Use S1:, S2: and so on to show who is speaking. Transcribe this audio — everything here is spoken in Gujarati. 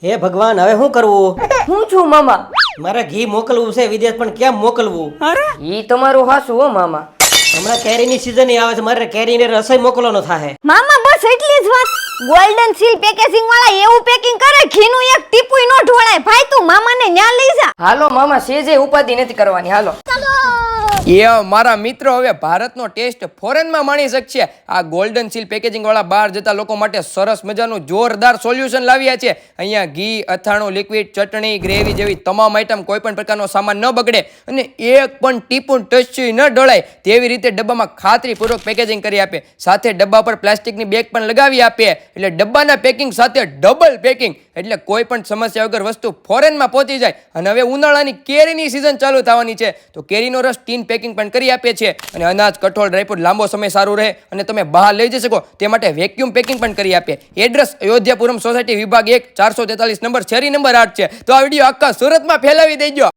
S1: હે ભગવાન, હવે શું કરવું?
S2: હું છું મામા.
S1: મારે ઘી મોકલવું છે વિદેશ, પણ કેમ મોકલવું?
S2: ઈ તમારું હાસું હો મામા.
S1: હમણાં કેરીની સીઝન આવે છે, મારે કેરીને રસોઈ મોકલવાનો થાય.
S3: મામા બસ એટલી જ વાત. ગોલ્ડન સીલ પેકેજિંગ વાળા એવું પેકિંગ કરે ઘીનું એક ટીપુય નો ઢોળાય. ભાઈ તું મામાને ન્યા લઈ જા.
S2: હાલો મામા, સેજે ઉપાધિ નથી કરવાની. હાલો મારા મિત્રો હવે ભારતનો ટેસ્ટ ફોરેનમાં માણી શકશે. આ ગોલ્ડન સીલ પેકેજિંગ વાળા બહાર જતા લોકો માટે સરસ મજાનું જોરદાર સોલ્યુશન લાવ્યા છે. અહીંયા ઘી, અથાણું, લિક્વિડ, ચટણી, ગ્રેવી જેવી તમામ આઈટમ કોઈ પણ પ્રકારનો સામાન ન બગડે અને એક પણ ટીપું ટચી ન ડળાય તેવી રીતે ડબ્બામાં ખાતરીપૂર્વક પેકેજિંગ કરી આપે. સાથે ડબ્બા પર પ્લાસ્ટિકની બેગ પણ લગાવી આપે. એટલે ડબ્બાના પેકિંગ સાથે ડબલ પેકિંગ, એટલે કોઈ પણ સમસ્યા વગર વસ્તુ ફોરેનમાં પહોંચી જાય. અને હવે ઉનાળાની કેરીની સિઝન ચાલુ થવાની છે તો કેરીનો રસ ટીન પેકિંગ પણ કરી આપે છે. અને અનાજ, કઠોળ, ડ્રાયફ્રૂટ લાંબો સમય સારું રહે અને તમે બહાર લઈ જઈ શકો તે માટે વેક્યુમ પેકિંગ પણ કરી આપે. એડ્રેસ અયોધ્યાપુરમ સોસાયટી, વિભાગ 1, 443 નંબર, શેરી નંબર 8 છે. તો આ વિડીયો આખા સુરતમાં ફેલાવી દેજો.